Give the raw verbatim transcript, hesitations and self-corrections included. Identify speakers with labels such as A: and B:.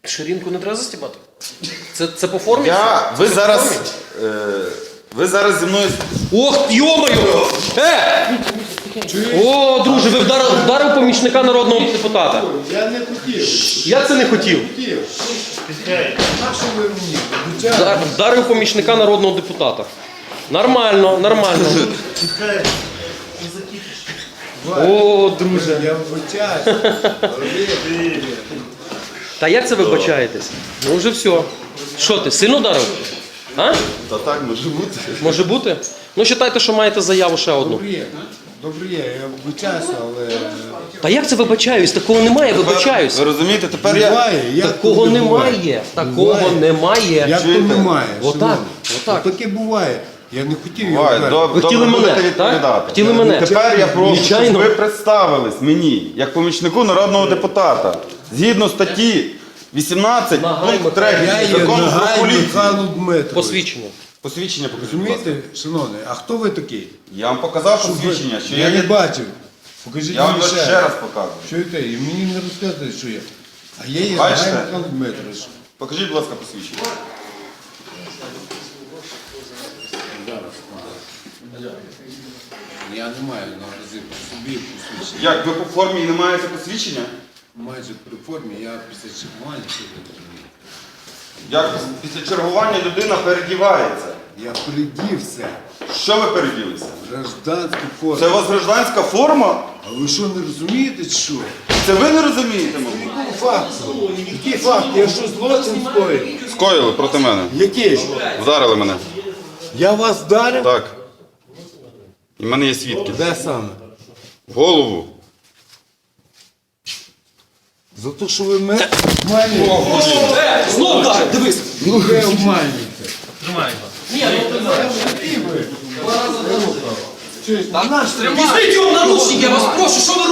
A: Ширинку не треба застібати? Це, це по формі?
B: Я, ви зараз, е, ви зараз зі мною...
A: Ох, йомаю! Е! О, друже, ви вдарили, вдарив помічника народного депутата.
C: Я не хотів.
A: Я це не хотів.
C: Хотів. А що ви мені?
A: Вдар- Вдарив помічника народного депутата. Нормально, нормально. О, друже.
C: Я вибачаюсь.
A: Та як це вибачаєтесь? Ну вже все. Що ти, сильно вдарив? А?
B: Та так, може бути.
A: Може бути? Ну, вважайте, що маєте заяву ще одну.
C: Добре є. Добре є, я вибачаюся, але...
A: Та як це вибачаюсь? Такого немає, вибачаюсь.
B: Ви розумієте, тепер я...
C: Буває, як
A: Такого
C: то буває?
A: немає. Такого
C: Буває.
A: немає.
C: Як то
B: Чуєте?
C: немає?
A: Отак,
C: шановні?
A: отак.
C: Таке буває. Я не хотів його
B: Буває,
C: вдарити.
B: добре,
A: Ви хотіли
B: добре,
A: мене,
B: будете
A: так?
B: відповідати.
A: Хотіли мене.
B: Тепер я прошу, щоб
A: Нечайно.
B: ви представились мені, як помічнику народного депутата, згідно статті вісімнадцять,
A: Нагай
B: пункт
A: Михайло.
B: третій
C: Я є
B: закону про
C: Нагай
B: поліцію.
C: Михайло Дмитрович.
A: Посвідчення.
B: Посвідчення покажіть, будь ласка.
C: Розумієте, шановний, а хто ви такий?
B: Я вам показав
C: Щоб ви-
B: посвідчення, що
C: я
B: я
C: не
B: є...
C: бачив. Покажіть
B: Я вам
C: мені
B: його
C: ще.
B: ще раз показую.
C: Чуєте, і мені не розказуєте, що я. А я є
B: Бачите?
C: Нагай Михайло Дмитрович.
B: Покажіть, будь ласка, посвідчення.
C: Я не маю наразі при собі посвідчення.
B: Як, ви по формі і не маєте посвідчення?
C: Майже при формі, я після чергування сьогодні.
B: Як після чергування людина передівається?
C: Я передівся.
B: Що ви переділися?
C: в Гражданську форму.
B: Це у вас гражданська форма?
C: А ви що, не розумієте, чи що?
B: Це ви не розумієте, мабуть?
C: Який факт? Який факт? Я що, злочин скоїв?
B: Скоїли проти мене.
C: Який?
B: Вдарили мене.
C: Я вас вдарив?
B: Так. І в мене є свідки.
C: Де саме?
B: В голову.
C: За те, що ви мене обманюєте.
A: Е, знов вдарив, дивись.
C: Ну ви обманюєте.
A: Ні, ну ти
C: Чуєш, наш
A: візьміть його в наручники, я вас прошу, що ви